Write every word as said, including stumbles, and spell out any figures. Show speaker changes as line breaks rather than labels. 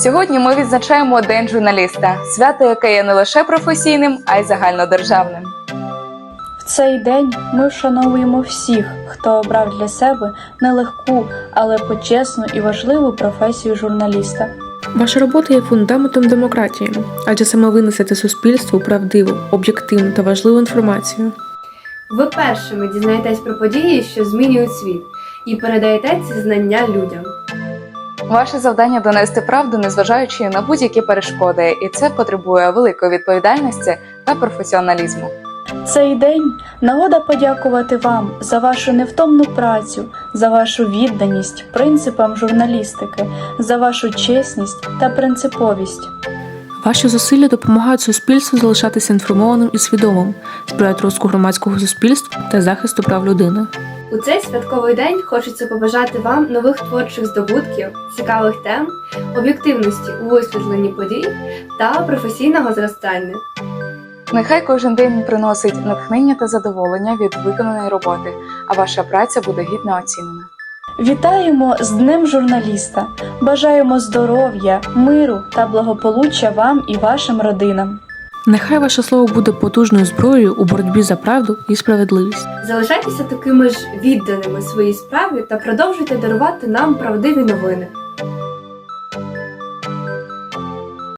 Сьогодні ми відзначаємо День журналіста – свято, яке є не лише професійним, а й загальнодержавним.
В цей день ми вшановуємо всіх, хто обрав для себе нелегку, але почесну і важливу професію журналіста.
Ваша робота є фундаментом демократії, адже саме ви несете суспільству правдиву, об'єктивну та важливу інформацію.
Ви першими дізнаєтесь про події, що змінюють світ, і передаєте ці знання людям.
Ваше завдання – донести правду, незважаючи на будь-які перешкоди, і це потребує великої відповідальності та професіоналізму.
Цей день – нагода подякувати вам за вашу невтомну працю, за вашу відданість принципам журналістики, за вашу чесність та принциповість.
Ваші зусилля допомагають суспільству залишатися інформованим і свідомим, сприяють розвитку громадського суспільства та захисту прав людини.
У цей святковий день хочеться побажати вам нових творчих здобутків, цікавих тем, об'єктивності у висвітленні подій та професійного зростання.
Нехай кожен день приносить натхнення та задоволення від виконаної роботи, а ваша праця буде гідно оцінена.
Вітаємо з Днем журналіста! Бажаємо здоров'я, миру та благополуччя вам і вашим родинам.
Нехай ваше слово буде потужною зброєю у боротьбі за правду і справедливість.
Залишайтеся такими ж відданими своїй справі та продовжуйте дарувати нам правдиві новини.